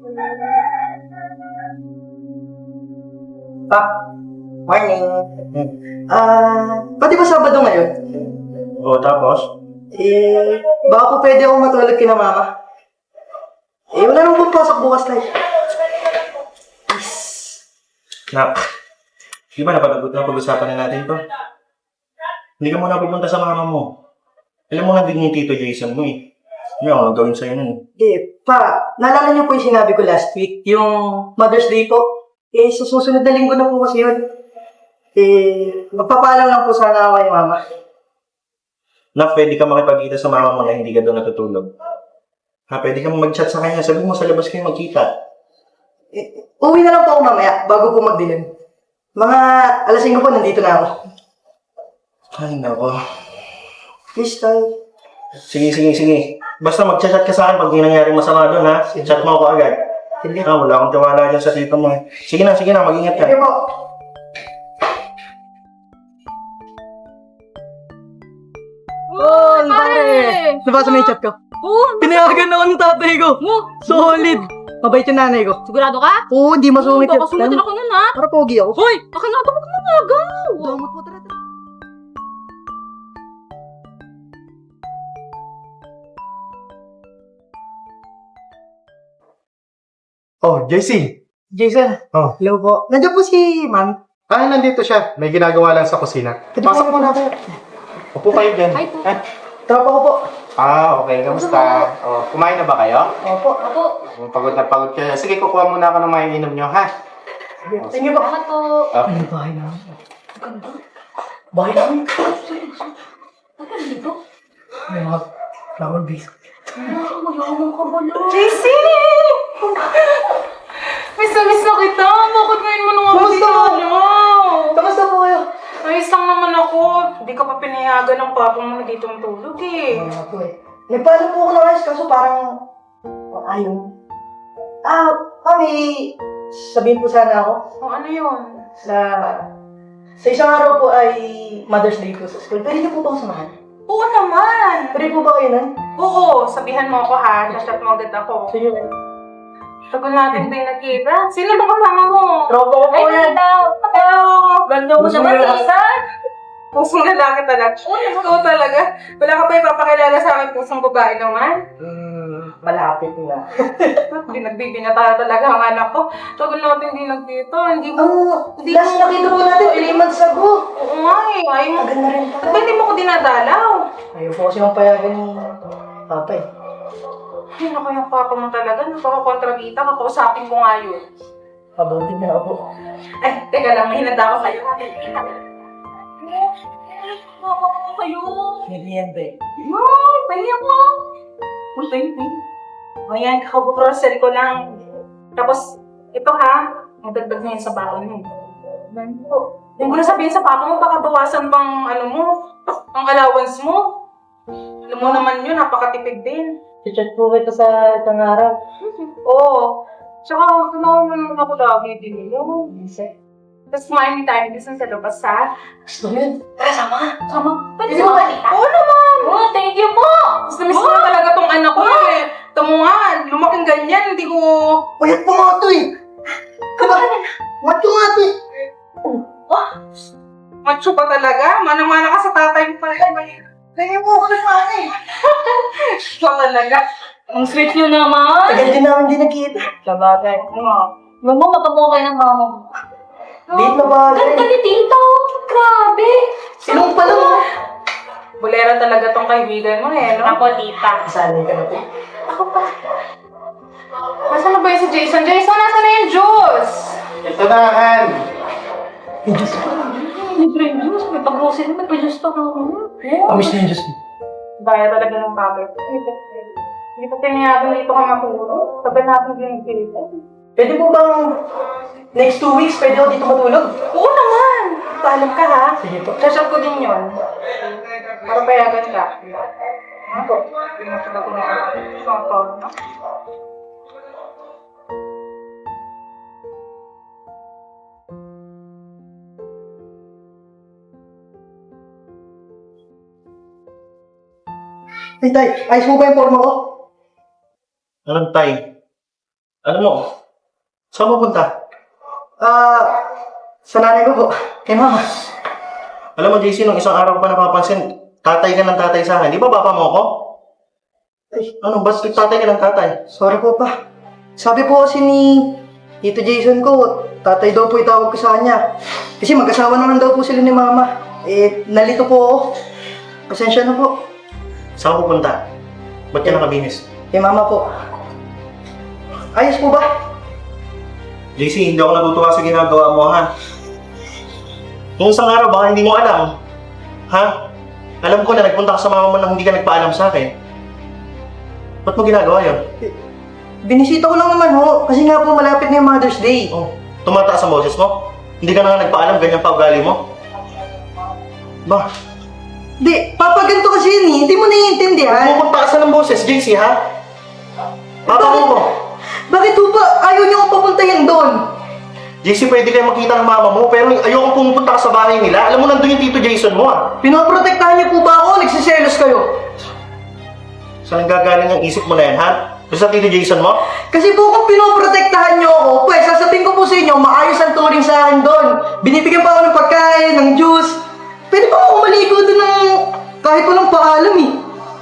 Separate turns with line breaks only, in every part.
Pa, morning. Pwede ba Sabado ngayon?
O, tapos?
Baka po pwede akong matulog kina mama. Wala nang pagpasok bukas tayo.
Nak, di ba napag-usapan na natin to? Hindi ka muna pupunta sa mama mo. Alam mo nga din yung Tito Jason mo eh. Hindi ako gagawin sa'yo nun.
Pa, naalala niyo po yung sinabi ko last week, yung Mother's Day po. Sa susunod na linggo na po kasi yun. Magpapaalam lang po sana ako kay mama.
Nak, pwede ka makipagkita sa mama mo na hindi ka doon natutulog. Ha, pwede ka mag-chat sa kanya. Sabi mo sa labas kayo magkita.
Uwi na lang po ako mamaya, bago po magdilim. Mga alas 5 po, nandito na ako.
Ay, nako.
Please, tayo.
Sige. Basta mag-chat ka sa akin pag may nangyaring masama doon, ha? Chat mo ako agad.
Sige.
Wala akong tiwala dyan sa tito mo. Sige na, mag-ingat ka.
Sige po.
Oh, pare!
Nabasa mo yung chat ko?
Oo,
Pinayagan ako ng tatay ko. Solid. Mabait yung nanay ko.
sigurado ka?
Oo, di masungit yun.
Kakasulitin ako nun, ha?
Para pogi ako.
Hoy! Akin na ito, huwag mo nagaw!
Damot mo talaga.
Oh, JC.
Jason,
Oh.
hello po. Nandiyan po si ma'am.
Nandito siya. May ginagawa lang sa kusina. Pasok mo na. Upo kayo dyan.
Hi po.
Tropa ko po.
Okay. Kamusta? Oh, kumain na ba kayo?
Opo.
Ako.
Pagod na pagod kayo. Sige, kukuha muna ako ng mga inom nyo, ha?
Thank you po.
Salamat po.
Okay.
Ano bahay namin? Bahay namin?
Huwag ka dito.
May mga flower base.
Mayamang ka ba lang?
JC! Miss na kita. Bakit ngayon mo naman
Kamusta po? Kamusta po kayo?
Ayos lang naman ako. Hindi ka pa pinayagan ng papa mo na dito tulog eh.
Ano po eh. Nagpaalam po ako ng ayos kaso parang ayaw. Mami, sabihin po sana ako
O ano yun?
sa isang araw po ay Mother's Day po sa school. Pwede niyo po ba ako samahan?
Oo naman.
Pwede po ba kayo nun?
Oo, sabihan mo ako ha. Chat mo agad ako.
Sige.
Tagal natin din nakita. Sino ba kasama mo?
Tropa ko po
Ay,
yan.
Hello!
Ganda mo naman, Jason!
Pusong lalaki talaga. Ikaw talaga. Wala ka ba ipapakilala sa akin pusong babae naman?
Malapit na.
Nagbibinata talaga ang anak ko. Tagal natin din nagkita. Hindi mo... Hindi
Last nakita po natin 3 months ago.
Oo nga eh. Ayaw mo.
Tagal na rin
Ba't
pala.
hindi mo ko dinadalaw?
Ayaw po kasi yung payagan ni Papa eh.
Ay, naku yung papa mo talaga. Napaka-kontrabita. Kakausapin ko nga yun.
Pabuti na ako.
Ay, teka lang. May hinanda ako sa'yo.
Mama ko kayo.
Merienda eh.
Ay, pahinga mo. Uy, pahinga. Ayan, kakabukrosel ko lang. Tapos, ito ha. Nadagdag na yun sa baon mo. Ganun po. Hindi mo na sabihin sa papa mo, baka bawasan pang ano mo, ang allowance mo. Alam mo naman yun, napakatipid din.
Chat po kita sa isang araw.
Oo. Tsaka, naman ako lagi din yun. Tapos kumain tayo gusto sa labas ha.
Gusto mo yun? Tara, sama ka.
Sama. Pwede
Hindi
sa
mo
mga tita?
Oo naman!
Oh, thank you po!
Gusto miss ko na talaga tong anak ko eh. Tamo nga, lumaking ganyan, hindi ko...
Payat po nga ito eh. Diba? Macho nga ito eh.
Macho pa talaga. Manang-mana ka sa tatay mo pala.
Kaya mo ako ng mga eh.
Siya talaga.
Ang sweet nyo naman!
Tagal din namin din nakita.
Sabagay.
Mama, matamuha kayo ng mama mo.
Late na ba?
Ganda ni Tito! Grabe!
Sinong pala mo?
Bulera talaga tong kaibigan mo eh, no? Ako, tita.
Sanay ka na po.
Ako pa. Nasaan na ba yung si Jason? Jason, nasaan na yung juice?
Ito na, Han.
Yung Diyos ko.
Libre yung juice. May pag-grocery, may pa-juice pa ako.
Amis na yung Diyos mo.
Daya talaga ng bagay. Hindi ko pinayagan dito ka matulog. Sabi natin ginigilitan.
Pwede po bang next 2 weeks pwede ako dito matulog?
Oo naman! Paalam ka ha.
Sige po.
Sasab ko din yun. Para payagan ka. Ako. Pinatulog ko na ako.
Ay, tay, ayos mo ba yung forma ko?
Anong tay? Ano mo? Saan mo punta?
Sa nanay ko po. Kay mama.
Alam mo, JC, nung isang araw ko pa napapansin, tatay ka ng tatay sa akin. Di ba papa mo ako?
Ay,
Ano, ba't tatay ka ng tatay?
sorry po pa. Sabi po kasi ni Tito Jason ko, tatay daw po itawag ko sa kanya. Kasi mag-asawa naman daw po sila ni mama. Nalito po ako. Pasensya na po.
Saan ko punta? Ba't ka nakabinis?
Kay mama po. Ayos po ba?
JC, hindi ako natutuwa sa ginagawa mo, ha? Nung isang araw, baka hindi mo alam. Ha? Alam ko na nagpunta ka sa mama mo nang hindi ka nagpaalam sa akin. Ba't mo ginagawa yun?
Binisita ko lang naman ho. Kasi nga po malapit na yung Mother's Day.
Oh, tumataas ang boses mo? Hindi ka na nga nagpaalam, ganyan pa ugali mo? Ba,
Di, papa ganito kasi yun eh. Hindi mo naiintindihan.
pumapagtaasan ng boses, JC, ha? Papa mo.
Bakit po ba ayaw niyo akong papuntahin doon?
JC, pwede kayo makita ng mama mo, pero ayokong pumupunta ka sa bahay nila. Alam mo, nandun yung Tito Jason mo, ha?
Pinoprotektahan niyo po ba ako? Nagsiselos kayo?
Saan gagaling ang isip mo na yan, ha? Sa Tito Jason mo?
Kasi po kung pinoprotektahan niyo ako, pues sasabihin ko po sa inyo, maayos ang turing sa akin doon. Binibigyan pa ako ng pagkain, ng juice. Pwede pa ako maligo doon ng kahit walang paalam eh.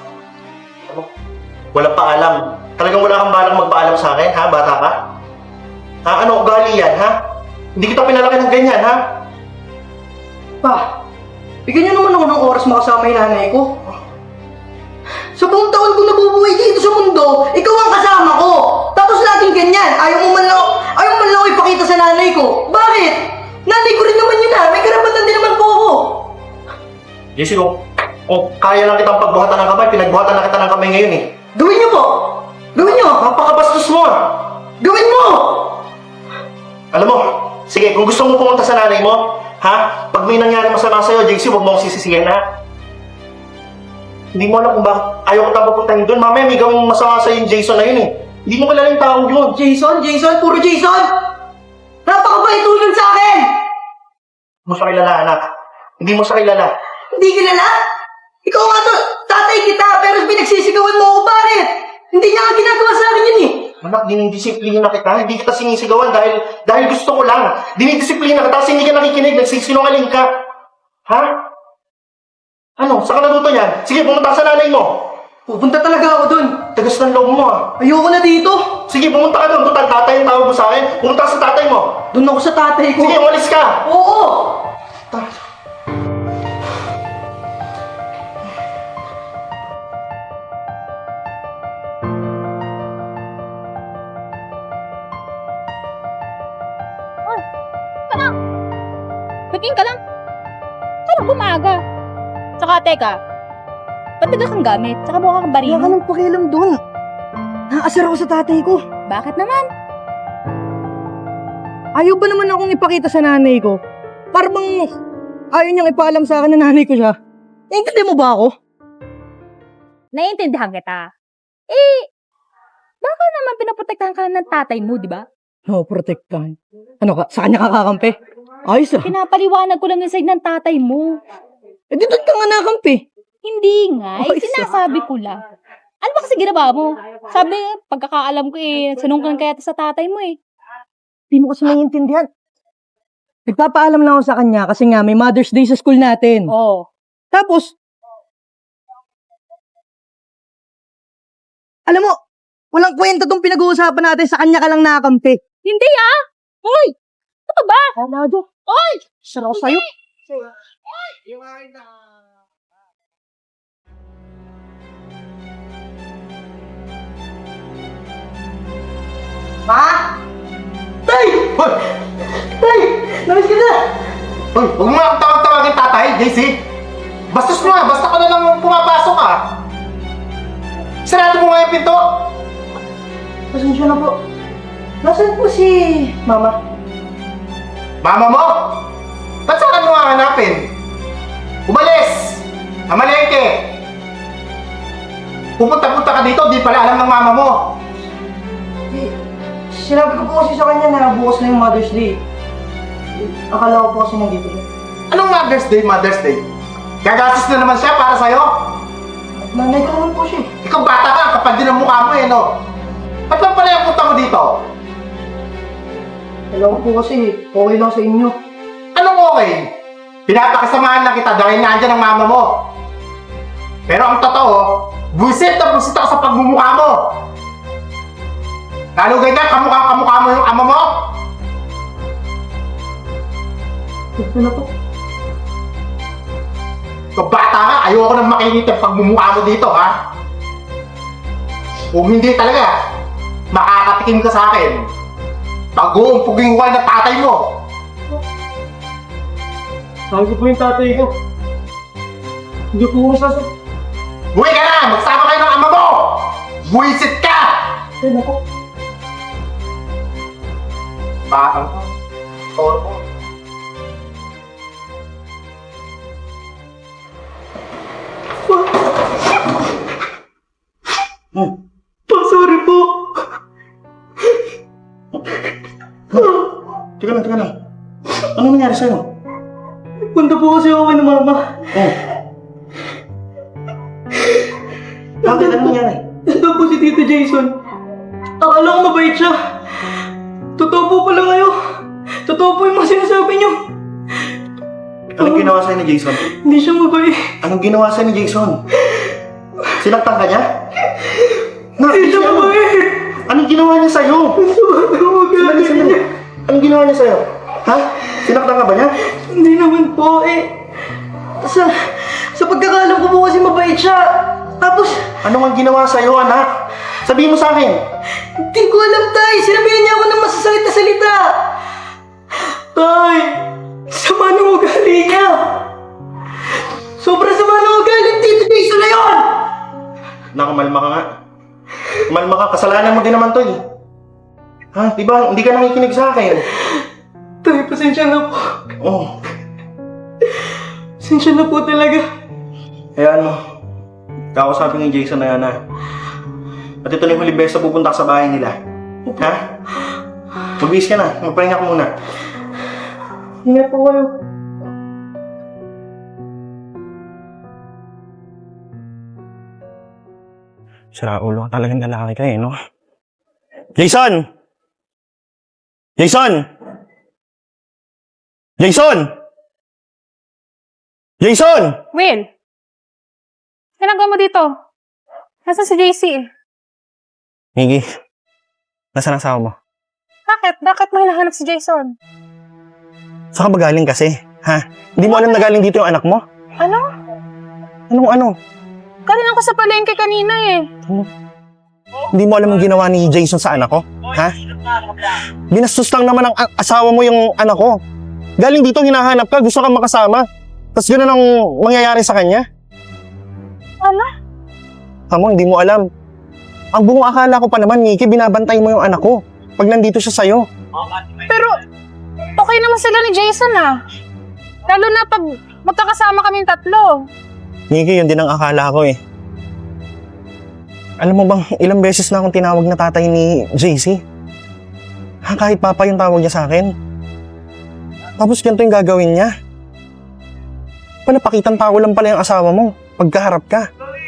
Walang paalam. Talagang wala kang balang magpaalam sa akin, ha? Bata ka? Ha? Ano ugali yan, ha? Hindi kita pinalaki ng ganyan, ha?
Pa, bigyan niyo naman ako ng oras makasama yung nanay ko. Sa buong taon kong nabubuhay dito sa mundo, ikaw ang kasama ko. Tapos laging ganyan, ayaw mo man lang ako ipakita sa nanay ko. Bakit? Nanay ko rin naman yun ha, may karapatan din naman po ako.
Jesse, kung kaya lang kitang pagbuhatan ng kamay, pinagbuhatan na kita ng kamay ngayon, eh.
Gawin niyo po! Gawin niyo!
Napakabastos mo, ah!
Gawin mo!
Alam mo, sige, kung gusto mo pumunta sa nanay mo, ha? Pag may nangyari masama sa'yo, JC, huwag mo akong sisisihan, ha? Hindi mo alam kung bakit ayaw ko tayong papuntahin doon. Mamaya may gawing masama sa'yo yung Jason na yun, eh. Hindi mo kilala yung tao yun.
Jason, puro Jason! Napakabait tulad sa akin!
Hindi mo siya kilala, anak. Hindi mo siya kilala.
Hindi kilala? Ikaw nga to, tatay kita, pero pinagsisigawan mo ako, bakit? Hindi niya nga ginagawa sa akin yun eh.
Anak, dinidisiplina kita. Hindi kita sinisigawan dahil gusto ko lang. Dinidisiplina ka, tapos hindi ka nakikinig, nagsisinungaling ka. Ha? Ano? Saan ka natuto niyan? Sige, pumunta ka sa nanay mo.
Pupunta talaga ako dun.
Tagas ng loob mo, ah.
Ayoko na dito.
Sige, pumunta ka doon. Total, tatay ang tawag mo sa akin. Pumunta ka sa tatay mo.
Doon ako sa tatay ko.
Sige, umalis ka.
Oo!
Paging ka lang. Parang bumaga. Tsaka teka, ba't nagas ang gamit? Tsaka mukha kang
Wala ka
barino.
nang pakialam dun. Nakasar ako sa tatay ko.
Bakit naman?
Ayaw ba naman akong ipakita sa nanay ko? Parang ayaw niyang ipaalam sa akin na nanay ko siya. Naintindihan mo ba ako?
Naiintindihan kita. Baka naman pinaprotektahan ka ng tatay mo, di ba?
No, protektahan. Ano ka? Sa kanya kakakampi? Ayos ah.
Pinapaliwanag ko lang yung side ng tatay mo.
Eh di doon ka nga nakampi.
Hindi nga,
Ay,
sinasabi ko lang. Ano ba kasi ginawa mo? Sabi, pagkakaalam ko sanungkan kaya sa tatay mo eh.
Hindi mo kasi naiintindihan. Nagpapaalam lang ako sa kanya kasi nga may Mother's Day sa school natin.
Oo.
Tapos, alam mo, walang kwenta tong pinag-uusapan natin, sa kanya ka lang nakakampi.
Hindi ah! Hoy! Ano ba?
Alado.
Hoy!
Sarap sa'yo. Ma? Tay!
Hoy!
Tay! Namiss ka na!
Hoy! Huwag mo nga akong tawag-tawagin tatay, JC! Bastos mo nga! Basta ka na lang pumapasok ka! Sarado mo nga yung pinto!
Pasensya na po. Nasaan po si Mama?
Mama mo? Ba't saan mo nga hanapin? Umalis! Amalengke! Pupunta-punta ka dito, di pala alam ng mama mo!
Eh, sinabi ko po kasi sa kanya na bukas na yung Mother's Day. Akala ko po kasi nandito siya.
Anong Mother's Day, Mother's Day? Gagastos na naman siya para sa'yo?
Nanay ko naman po siya.
Ikaw bata ka, kapag din ang mukha mo eh, no? Ba't lang pala yung punta mo dito? dito?
Alam ko po kasi, okay lang sa inyo.
Anong okay? Pinapakasamahan lang kita dahil nandyan ang mama mo. Pero ang totoo, busit na busit ako sa pagmumukha mo. Lalo ganyan, kamukha mo yung ama mo.
Ito na po.
Kabata nga, ayoko nang makinit ang pagmumukha mo dito, ha? Kung hindi talaga, makakatikim ka sa akin. Pag-uumpuging wal na tatay mo.
Sabi ko po yung tatay ko. Hindi po ako sasabi.
Buwi ka na! Magsama kayo ng ama mo! Buwisit ka!
Ito na po.
Bakang ka. Toro mo.
Sorry po.
Teka lang. Ano nangyari sa'yo?
Punta po kasi ako kay na mama.
Oh. Bakit? Ano nangyari?
Ito po si Tito Jason. Akala ko mabait siya. Totoo po pala ngayon. Totoo po yung mga sinasabi niyo.
Anong ginawa sa'yo ni Jason?
Hindi siya mabait.
Anong ginawa sa'yo ni Jason? Sinaktan ka niya?
Hindi siya mabait.
Anong ginawa niya sa'yo? Sandali. Anong ginawa niya sa'yo? Ha? Sinaktan ka ba niya?
Hindi naman po Sa pagkakalam ko po kasi mabait siya. Tapos,
Ano ang ginawa sa'yo, anak? Sabihin mo sa akin.
hindi ko alam, Tay. Sinabihan niya ako ng masasakit na salita. Tay, sama ng ugali niya. Sobrang sama ng ugali ng Tito Jason na yun.
Nakamalma ka nga. Malma ka, kasalanan mo din naman to eh. Ha? Diba, hindi ka nakikinig sa akin.
Tay, pasensya na po.
Oh,
Pasensya na po talaga.
kaya ano, kakausapin ni Jason na yan ha. At ito na yung huling beses na pupunta ka sa bahay nila. Ha? Magbihis ka na, magpahinga ka muna.
Ingat po kayo.
Sira ulo ka talagang lalaki ka eh, no? Jason! Jason! Jason! Jason!
Will! Ginagawa mo dito? Nasaan si JC?
Miggy, nasaan ang asawa mo?
Bakit? Bakit mo hinahanap si Jason?
Saan ka ba galing kasi? Ha? Hindi mo alam na galing dito yung anak mo?
Ano?
Anong ano?
Galing ako sa palengke kanina eh.
Hindi mo alam ang ginawa ni Jason sa anak ko? Ha? Binastos lang naman ang asawa mo yung anak ko. Galing dito, hinahanap ka, gusto kang makasama. Tapos gano'n ang mangyayari sa kanya?
Ano?
Amo, hindi mo alam. Ang buong akala ko pa naman, Nikki, binabantay mo yung anak ko pag nandito siya sa'yo.
Pero, okay naman sila ni Jason ah. Lalo na pag magkakasama kaming tatlo.
Nikki, yun din ang akala ko eh. Alam mo bang, ilang beses na akong tinawag na tatay ni JC? Ha, kahit papa yung tawag niya sa akin. Tapos ganito yung gagawin niya. Panapakitang tao lang pala yung asawa mo pagkaharap ka.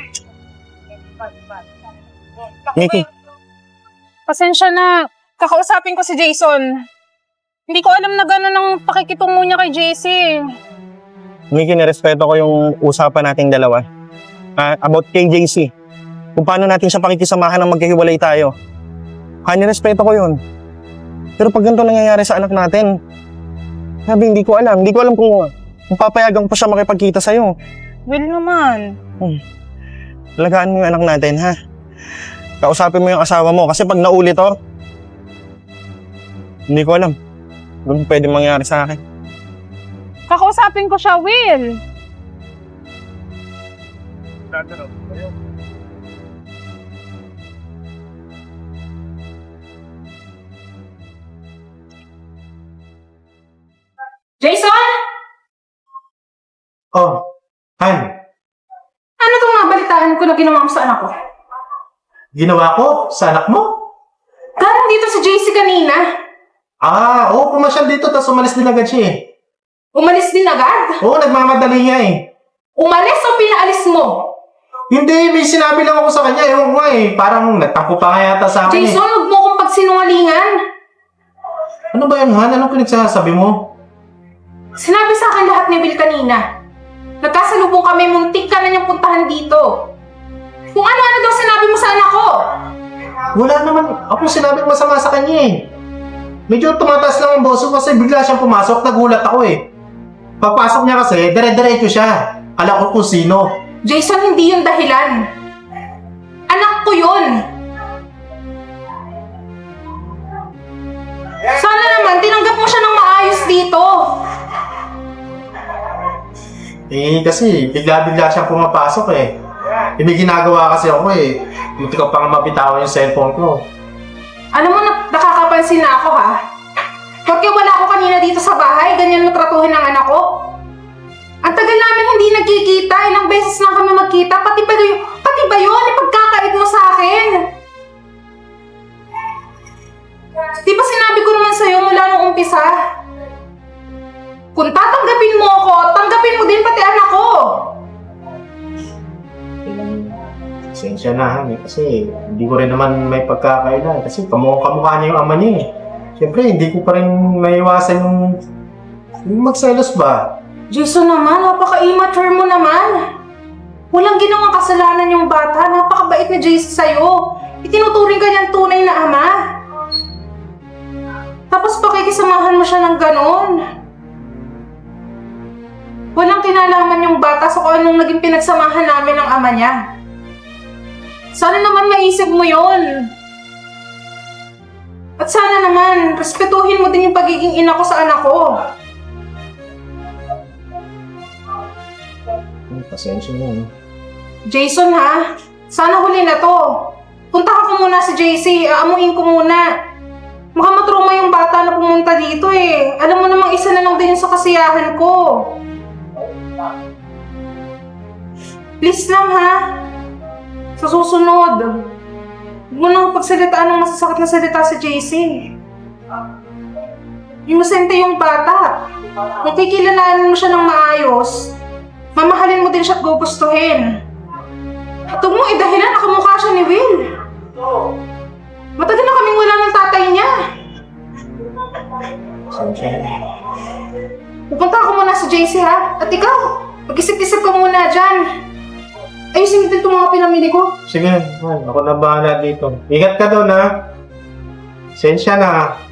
Nikki,
Pasensya na. Kakausapin ko si Jason. Hindi ko alam na gano'n ang pakikitungo niya kay JC.
Nikki, nirespeto ko yung usapan nating dalawa. About kay JC. Kung paano natin siya pakikisamahan ng magkahiwalay tayo. Nirespeto ko yun. Pero pag ganito nangyayari sa anak natin, sabi, hindi ko alam. Hindi ko alam kung papayagan ko pa siya makipagkita sa'yo.
Will naman.
Alagaan mo yung anak natin, ha? Kausapin mo yung asawa mo. Kasi pag naulit to, hindi ko alam kung pwede mangyari sa akin.
Kakausapin ko siya, Will.
Jason?
Oh, Han.
Ano itong nabalitaan ko na ginawa mo sa anak ko?
Ginawa ko sa anak mo?
Galing dito si JC kanina.
Oo, pumasyal dito, tapos umalis din agad siya eh.
Umalis din agad.
Oo, nagmamadali niya eh.
Umalis o pinaalis mo?
Hindi, may sinabi lang ako sa kanya. Ewan ko nga eh, parang nagtampo pa nga yata sa akin
Jason,
eh.
huwag mo akong pagsinungalingan.
Ano ba yan, Han? Anong pinagsasabi mo?
Sinabi sa akin lahat ni Will kanina. Nagkasalubong kami, muntik ka na niyang puntahan dito. Kung ano-ano daw sinabi mo sa anak ko.
Wala naman akong sinabing masama sa kanya eh. Medyo tumataas lang yung boso kasi bigla siyang pumasok, nagulat ako eh. Pagpasok niya kasi, dire-diretso siya. Alam ko kung sino.
Jason, hindi yun dahilan. Anak ko yun. Sana naman, tinanggap mo siya ng maayos dito.
Eh, kasi bigla-bigla siyang pumapasok eh. May ginagawa kasi ako eh. Munti ko pa nga mabitawan yung cellphone ko.
Alam mo, nakakapansin na ako ha. Porque wala ako kanina dito sa bahay, ganyan mo tratuhin ng anak ko. Ang tagal namin hindi nagkikita, ilang beses na kami magkita, pati ba yun, ipagkakait mo sa akin? Di ba sinabi ko naman sa'yo mula nung umpisa? Kung tatanggapin mo ako, tanggapin mo din pati anak ko.
Pasensya na Han eh, kasi hindi ko rin naman may pagkakailan. Kasi kamukha niya yung ama niya eh. Siyempre, hindi ko pa rin maiwasan yung magselos ba?
Jason naman, napaka-immature mo naman. Walang ginawang kasalanan yung bata, napakabait na Jason sa'yo. Itinuturing ka niyang tunay na ama. Tapos pakikisamahan mo siya ng ganon. Walang kinalaman yung bata sa kung anong naging pinagsamahan namin ng ama niya. Sana naman maisip mo yon. At sana naman, respetuhin mo din yung pagiging ina ko sa anak ko.
Pasensya na.
Jason ha, sana huli na to. Punta ko muna si JC, aamuin ko muna. Makamatruma yung bata na pumunta dito eh. Alam mo namang isa na lang din sa kasiyahan ko. Please lang ha. Sa susunod, huwag mo nang pagsalitaan ng masasakit na salita sa JC. Inosente yung bata. Kung kikilalanin mo siya ng maayos, mamahalin mo din siya at gugustuhin. At huwag mong idahilan na kamukha siya ni Will. Matagal na kaming wala ng tatay niya.
Pasensya na.
Pupunta ako muna sa JC ha. At ikaw, mag-isip-isip ka muna dyan. Ayusin natin itong mga pinamili ko.
Sige, man, ako na bahala dito. Ingat ka doon ha. Pasensya na.